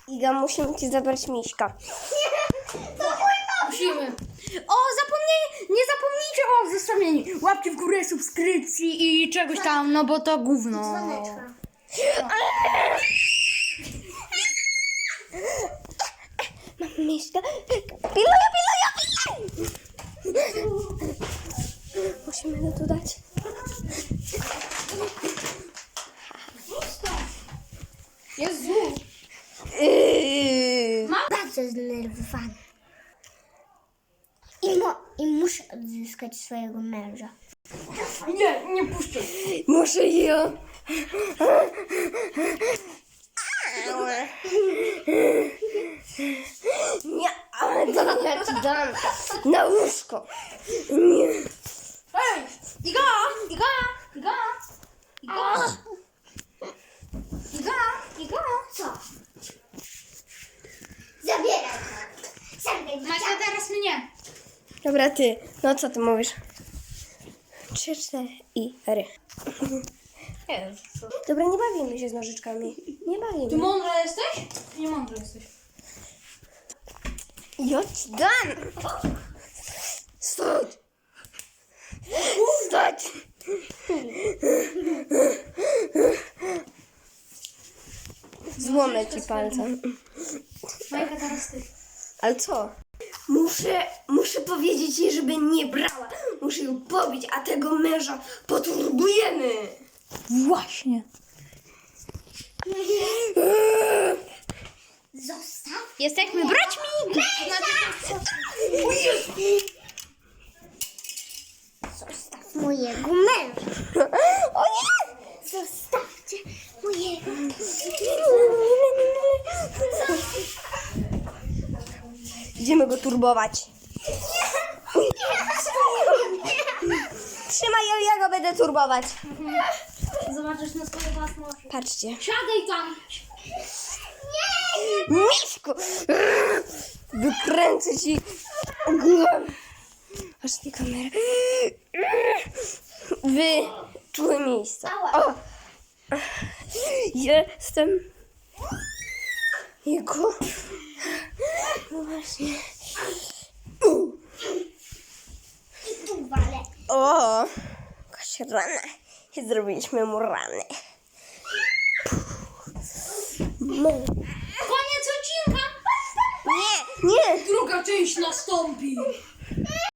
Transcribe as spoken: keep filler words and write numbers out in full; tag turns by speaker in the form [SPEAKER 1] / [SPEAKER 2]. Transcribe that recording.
[SPEAKER 1] Iga, musimy ci zabrać miśka.
[SPEAKER 2] Musimy. O, zapomnij, nie zapomnijcie o zostawieniu łapki w górę, subskrypcji i czegoś tam, no bo to gówno.
[SPEAKER 3] Dzwoneczka.
[SPEAKER 1] Mam miśka. Piluja, piluja, piluja! Musimy go tu dać.
[SPEAKER 2] Jezu.
[SPEAKER 1] Yy.
[SPEAKER 3] Bardzo zdenerwowany. I, mo- I muszę odzyskać swojego męża.
[SPEAKER 2] Nie, nie puszczę.
[SPEAKER 1] Muszę ją. Nie, ale to ja ci dam. Na łóżko. Nie.
[SPEAKER 2] Ej, Iga, Iga, Iga, Iga. Iga, Iga.
[SPEAKER 3] Co? Zabieraj to. Zabieraj
[SPEAKER 2] Macie teraz mnie.
[SPEAKER 1] Dobra, ty. No co ty mówisz? Trzy, cztery i ry.
[SPEAKER 2] Jezu.
[SPEAKER 1] Dobra, nie bawimy się z nożyczkami. Nie
[SPEAKER 2] Ty
[SPEAKER 1] bawimy.
[SPEAKER 2] mądra jesteś? Ty nie mądra jesteś.
[SPEAKER 1] Ja ci dam. Stać. Stać. Złomę ci palcem.
[SPEAKER 2] Majka, teraz ty.
[SPEAKER 1] Ale co? Muszę, muszę powiedzieć jej, żeby nie brała. Muszę ją pobić, a tego męża poturbujemy.
[SPEAKER 2] Właśnie.
[SPEAKER 3] Zostaw.
[SPEAKER 2] Jesteśmy braćmi.
[SPEAKER 3] Zostaw mojego męża.
[SPEAKER 1] O nie!
[SPEAKER 3] Zostawcie mojego
[SPEAKER 1] Idziemy go turbować. Trzymaj ją, ja go będę turbować.
[SPEAKER 2] Zobaczysz na swoje własne oczy.
[SPEAKER 1] Patrzcie.
[SPEAKER 2] Siadaj tam.
[SPEAKER 1] Miśku! Wykręcę ci głowę. Aż nie kamerę. Wyczułe miejsca. O! Jestem jego. No właśnie.
[SPEAKER 3] I tu walę.
[SPEAKER 1] O! Jakaś rana. I zrobiliśmy mu ranę. No.
[SPEAKER 2] Koniec odcinka.
[SPEAKER 1] Nie, nie!
[SPEAKER 2] Druga część nastąpi.